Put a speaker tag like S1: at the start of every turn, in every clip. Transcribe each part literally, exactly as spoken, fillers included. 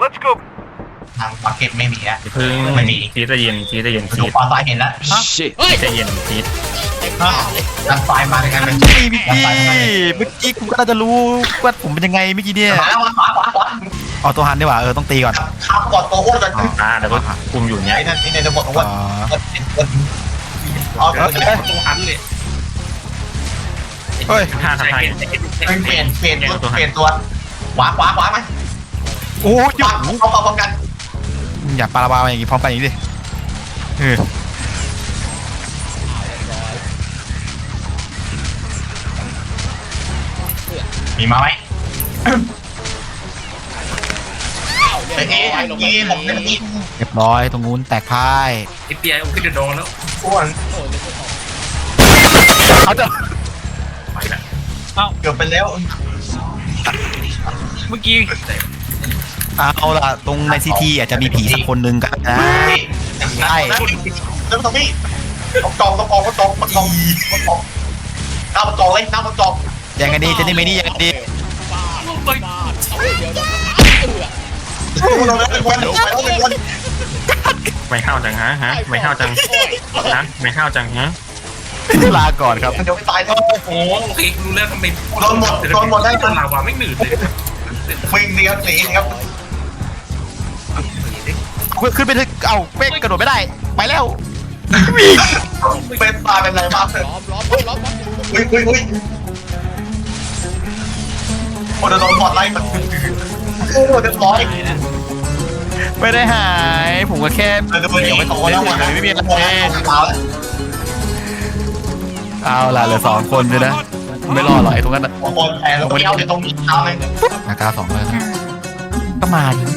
S1: ทางปากเก็ตไม่มีแล้ว
S2: พึ่ง
S1: ไม่มี
S2: ชีสจะเย็นชีสจะเย็น
S1: ดู
S2: ชีส
S1: ปลาทรายเห็นแล้ว
S2: ชีสจะเย็นชีส
S1: ดันไฟมาในการเป็น
S3: พี่พี่กี้เมื่อกี้คุณก็น่าจะรู้ว่าผมเป็นยังไงเมื่อกี้เนี่ย
S1: มาแล้วขวาขวาขวา
S3: เอาตัวหันดีกว่าเออต้องตีก่อน
S1: ข้ามก่อนตัวอ้วนก่อน
S2: อ่าแล้วก็คุมอยู่เนี้ย
S1: ไอ้นั่นนี่ในระบบอ้วน
S3: อ๋อ
S1: เอาตัวนี้
S4: ตัวหันเลย
S3: เฮ้ย
S2: ท่าทำไทย
S1: เปลี่ยนเปลี่ยนตัวเปลี่ยนตัวขวาขวาขวาไหม
S3: โอ้ย
S1: ขวาเขาพร้อมกัน
S3: อย่าปาราบาอย่างงี้พร้อมกันอย่างนี้ดิเออ
S1: มีมาไหมไอ้เอ๊ะยี่ผมเป็นยี่
S3: เรียบร้อยตรงนู้นแตกพ่าย
S4: ไอเปียผมขึ้นจะโดนแล้ว
S1: อ้วน
S3: เขาจะ
S4: ไปละ
S1: เกือบไปแล้ว
S4: เมื่อกี้
S3: เอาล่ะตรงในซีทีอาจจะมีผีสักคนหนึ่งกันนะ
S1: ใช่แล้วตรงนี้ต้องจองต้องจองต้องจองต้องจองต้องจองน้าต้องจองเลยน้าต้องจอง
S3: ยังไงดีเจนี่ไม่นี่ยังไงดี
S4: ไป
S1: เราเลยเป็นวันไปแล้วเป็นวัน
S2: ไม่เข้าจังฮะฮะไม่เข้าจังฮะไม่เข้าจังฮะ
S3: ลาก่อนครับ
S1: มันจะไม่ตายเท่า
S4: โอ้โอเครู้แล้วทำไม
S1: โดนหมดโดนหมดได้
S4: โดนลาวาไม่หนืดเลย
S1: วิ่งดีครับหนีครับ
S3: ขึ้นไปถึงเอาเป๊กกระโดดไม่ได้ไปแล้ว
S1: เป็นตาเป็นไรบ้างอุ้ยอุ้ยอุ้ยโอ้โดนหมดไล่มันโอ้เรียบร้อย
S3: ไม่ได้หายผมก็แค่เดี๋ยวไม่โตแล้วไม่มีอะไรเอาล่ะเหลือสองคนเลยนะไม่รอหรอกไอ้ตรงนั้น
S1: บางคนแพ้แล้วก็เอาเดี๋ยวตรงนี้เอาเลย
S3: นากาสองเลยก็มาดิ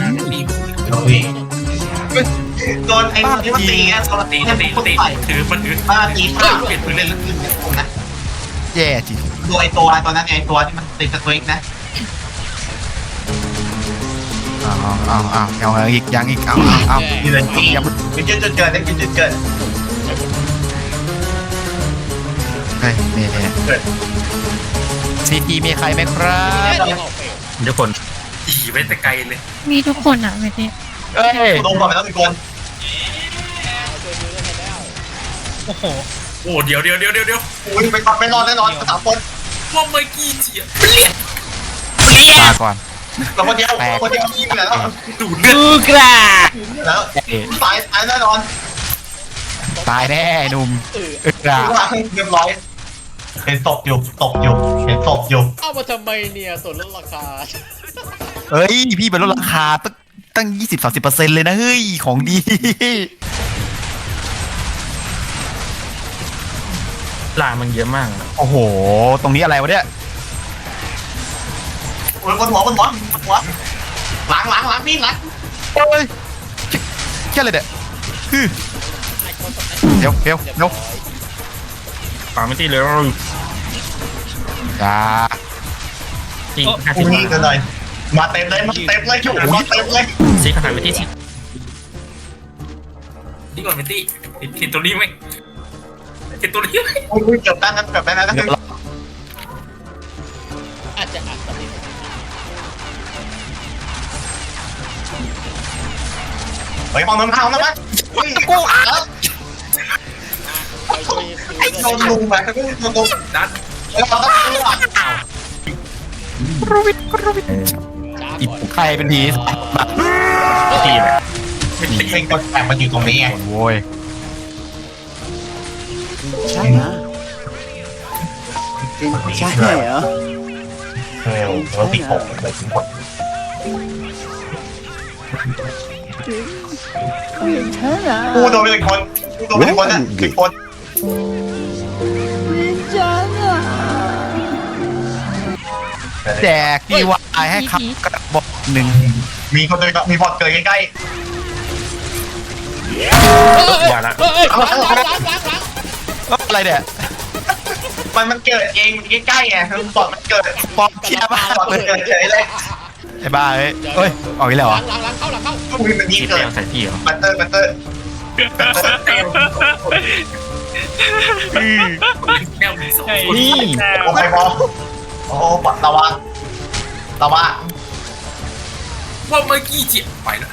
S1: โดนไอ้ที่มันตีไงโดน
S4: ตี
S1: ตี
S4: ตี
S1: ตี
S4: ตี
S1: ตี
S4: ถือมันถือ
S1: มาตีข้า
S4: เปลี่ยนปืนเล่นแล้ว
S1: นะ
S3: แย่จริง
S1: ดูไอ้ตัวตัวนั้นไอ้ตัวที่มันติดสตริกนะ
S3: เอาเอาเอาเอาเอาอีกยังอีกเอาเอา
S1: ยืนตียังยืนยืนเกินได้ยืนยืนเกิน
S3: เฮ้ยนี่นี่ซีทีมีใครไหมครับ
S2: ทุกคน
S4: ตีไว้แต่ไกลเลย
S5: มีทุกคนอ่ะไม่ได้
S3: เอ้ย
S1: โดนก่อนไปแล้วมีคน
S4: โอ้โหโอ้เดี๋ยวเดี๋ยวเดี๋ยวเดี๋ยวเดี๋ยว
S1: อุ้ยไปไปนอนแน่นอนสามคน
S4: ว่าเมื่อกี้เจีย
S3: ลาก่อน
S1: เราคนเดียวคนเดียวยิงแล้ว
S4: ดูดเลือด
S5: กูกระ
S1: แล้วตายตายแน่นอน
S3: ตายแน่หนุ่มเอึดา
S1: เรียบร้อยเห็นศพอยู่ตกอยู่เห็นศพอยู่
S6: เอามาทำไมเนี่ยส่วนลดราคา
S3: เฮ้ยพี่เป็นลดราคาตั้งตั้งยี่สิบสามสิบเปอร์เซ็นต์เลยนะเฮ้ยของดี
S2: ลามันเยอะมาก
S3: โอ้โหตรงนี้อะไรวะเนี่ย
S1: โอ้ยบนหัวบนหัวบนหัวหลังหลังหลังพี่หลัง
S3: เฮ้ยแค่อะไรเนี่ยฮึเดี๋ยวเดี๋ยวเดี๋ยว
S2: ปาไม่ตีเลย
S3: อย่า
S2: ตีห้าสิ
S1: อุ้
S2: บ
S1: ยกันเลยมาเต็มเลยมาเต็มเลยชุบมาเต็มเลย
S2: ซีขนาดไปที่สิ
S4: นี่ก่อนเมตี้เห็นตัวนี้ไหมเห็นตัวนี้ไหม
S1: อุ้ยเกือบได้นะเกือบได้นะ
S3: เดี๋ยวเรา
S6: อาจจะอัดสำเร็จ
S1: เฮ้ยมองน้ำข้าวนะมั้ยกูอ่ะ
S6: ไปช่วยซื้อ
S1: โดนลุงแบบโดนลุง
S4: ดัน
S1: เราต้องอ้าว
S6: ช้า
S3: อี
S6: ก่อน
S3: ใครเป็นผีแบบ
S2: ตีเลย
S1: เป็นคนแอบมันอยู่ตรงนี้ไง
S3: โว้ย
S7: ใช่นะใช่เหรอ
S1: เออเราติดผมเลยทุกคน
S7: ใช่นะ
S1: กูโดนไปหนึ่งคนกูโดนไปหนึ่งคนนะหนึ่งคน
S3: แจกดีวายให้ครับกระบอกหนึ่ง
S1: มีคนเลยมีบอดเกิดใกล้
S2: อย่าละ
S6: เฮ้ยล้างล้างล้างล้างล้าง
S3: เอ้ยอะไรเนี่ย
S1: ๆมันมันเกิดเองใกล้ๆไงบอดมันเกิด
S3: ปอบเชียร์มาก
S1: บอด
S3: เล
S1: มัน
S3: ย
S1: เกิดเฉยเลย
S3: ไอ้บ้าเอ้ยเฮ้ยออกอีกแล้วเหรอ
S6: ล้างล้างล้างเข้าหลังเข้า
S1: กูมีแบบนี้
S2: ตี
S1: เกิ
S2: แต้
S1: ด
S2: มใส่พี่เหรอ
S1: บัตเตอร์บัตเตอร์
S4: แก้วมีสองคน
S2: นี่
S1: โอ้ไฟบอลโอ้ปัดระวังระวัง
S4: ว่าเมื่อกี้เจียไปแล้ว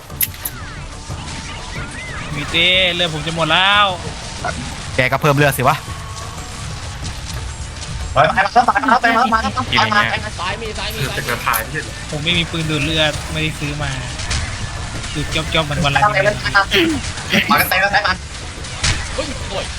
S5: มีเต้เลือดผมจะหมดแล้ว
S3: แกก็เพิ่มเลือดสิวะ
S1: ไปไปมาไปมาไปมาไปมาไปมาไปมา
S6: ซ้ายมีซ้ายมี
S4: คือ
S6: ซ้าย
S4: เป็น
S6: มี
S4: กระพายไม่ใช่เหรอ
S5: ผมไม่มีปืนดูดเลือดไม่ได้ซื้อมาดูดจอบๆเหมือนวันละ
S1: ไป
S5: นิด
S1: มามากันเต็มแล้วไปมา
S6: เฮ้ยโอ้ย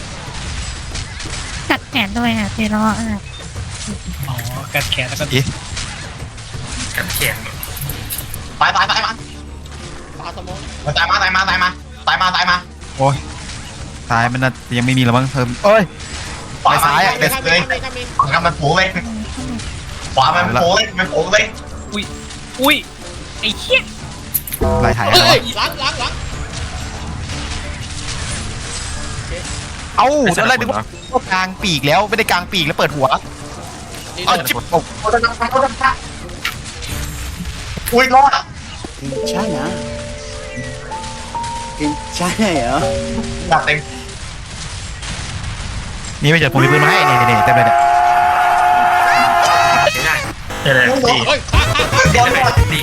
S8: กัดแขนด้วยอ่ะเจล้ออ่ะ
S5: อ๋อกัดแขนแล้วก็
S3: อี
S4: กันแขน
S1: ไปไปไปมา
S6: ปลาสมอง
S1: ตายมาตายมาตายมาตายมาตายมา
S3: โอ้ยซ้ายมันน่ะยังไม่มีแล้วมั้งเพิ่มเอ้ย
S1: ขวาซ้ายอ่ะเด็ดเลย
S6: ข้ามมีข้ามมี
S1: ขวามันปูเลยขวามันปูเลยมันปูเลย
S5: อุ้ยไอ้เหี้ย
S3: ลายถ่ายอะไร
S6: เฮ้
S3: วะ
S6: ยหลังหลังหลัง
S3: เอ้าตอนแรกนึกว่า กลางปีกแล้วไม่ได้กลางปีกแล้วเปิดหัว
S6: นี่
S3: เอา
S6: โดน
S3: จิบโอ้
S1: โอ้ยน้ำโอ้ยน้ำอุ้ยรอด
S7: 괜찮아. 괜찮아요.
S1: หนักเต็ม
S3: นี่ไม่เจอผมมีปืนมาให้นี่นี่เต็มเลยเนี่ย
S4: ใช้ได้
S2: ใช่เลยดี
S6: เฮ้ยข้างข้าง
S1: โดนหมด
S4: ดี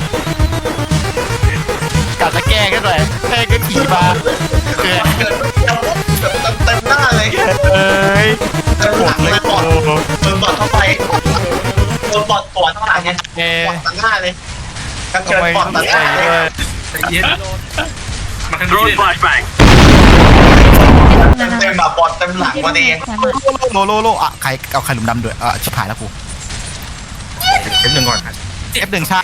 S3: กัดตะแกรงกันเลยแกล้งก็ขี่มาเกิด
S1: เกิดเต็มหน้าเลย
S3: เอ้ย
S1: เต็มหลังเลยบอดโดนบอดเข้าไปโดนบอดปอดข้างหลังไง
S3: เอ้
S1: บอดตัดหน้าเลยกระเจิ
S3: ทำ
S1: ด
S3: ไม
S1: บอดตัดหน้าเลย
S3: ด้วย
S4: ใจเย็นมาทางนี้เลย
S1: เต็มแบบบอดเต็มหลังพอดี
S3: โลโลโลอ่ะใครเอาใครหลุมดำด้วยอ่ะชิบหายแล้วกู
S2: เข็มหนึ่งก่อน
S3: เอฟหนึ่งชา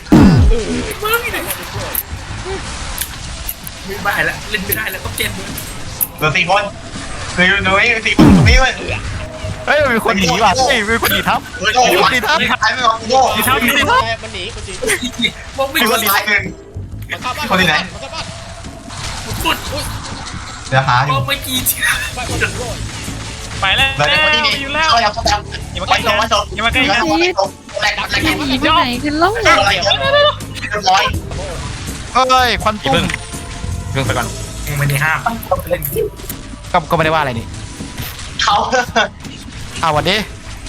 S4: ไม่ได้แล้วเล่นไม่ได้แล้วต้องเกมเลย
S1: เหลือสี่คนเหลือหนุ่ยสี่คนตรงนี้เว้ย
S3: เฮ้ยมีคนหนีว่ะเฮ้ยมีคนหนีทับ
S1: โอ้โหดีทับดีทับไม่ออกโง่ดีทับดีทับ
S6: มันหนีมันหนี
S4: มองไม่
S1: มี
S4: เห็
S1: คน
S4: น
S1: ตายหนึ่ง
S6: มันเข้าบ้าน
S1: คนที่ไหน
S6: มันเข้าบ้าน
S4: สุด
S1: เดี๋ยวหาอ
S4: ม
S1: ยู่
S4: องไม่กี่เจีย
S6: ไปคนหนึ่งโดน
S5: ไปแล้ว
S1: เหลือแต่คนที่นี่
S5: อยู่แล้ว
S1: เขาอยากเขาแบบไปตรงมาตรงแหลกแหลก
S8: หนีไปไหนกันล่ะ
S1: อะไรเรียบร้อย
S3: เอ้ยควันตุ้ม
S2: เรื่องไปก่อน
S4: ไม่ได้ห้ามเล่น
S3: ก็ก็ไม่ได้ว่าอะไรนี่
S1: เขา
S3: อ้าววันนี้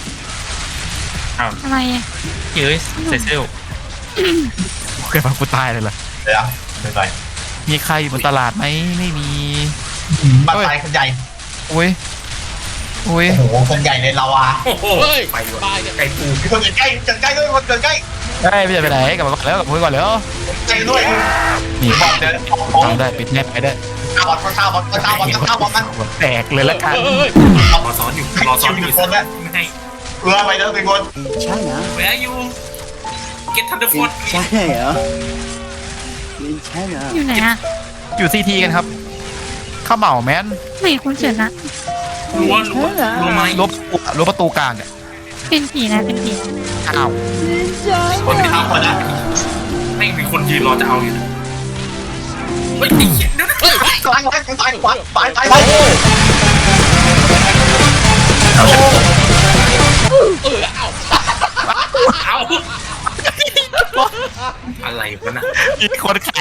S8: อะไรอ่ะ
S2: เฮ้ยเซเซล
S3: เคยฟังกูตายเลยเหรอ
S1: เดี๋ยวเดี๋ยวไป
S3: มีใครอยู่บนตลาดไหมไม่มี
S1: บ้านตายคนใหญ่
S3: อุ้ยอุ้ย
S1: โอ้โหคนใหญ่เลยเราอ่ะ
S4: โอ้โห
S6: เฮ้ย
S4: ไปอยู่
S6: ตายเนี่ย
S4: ไก่ปู
S1: มีคนใกล้เกินใกล้ด้วยคนเกินใกล้
S3: เฮ้ยไม่จะไปไหนกลับมาก่อนแล้วกลับมาก่อนแล้ว
S1: ใกล้ด้วย
S3: นี่
S1: บอลเดิน
S3: ทำได้ปิดแนบไปได้
S1: ข้าวบอลข้าวบอลข้าวบอลข้าวบอลมัน
S3: แตกเลยละกัน
S6: เฮ้ย
S4: รอซ้อนอยู่รอซ้อนอยู่ไม่ให้
S1: เรือไปแล้วเป็นคน
S7: 괜찮아.
S4: Where are you Get Thunderbolt
S7: 괜찮아요. 괜찮아.
S8: อยู่ไหนอ่ะ
S3: อยู่ซีทีกันครับข้าวเหมาแมน
S8: ไม่เห็นคุณเฉินอ่ะ
S4: รั้วรั้วรั้วไม้
S3: ลบลบประตูกลางเนี่ย
S8: เป็นผีนะเป็นผี
S3: อ้าว
S1: คนที่ทำคนนะ
S4: ไม่มีคนยืนรอจะเอาอยู่เฮ้ยไอ้เหี้ยเดี๋ยวนะ
S6: เฮ้ย
S1: ตายตายตายตายตายตายตาย
S2: เอาฉัน
S6: เออเอ้า
S4: เอาอะไรวะน่ะ
S3: มีคนฆ่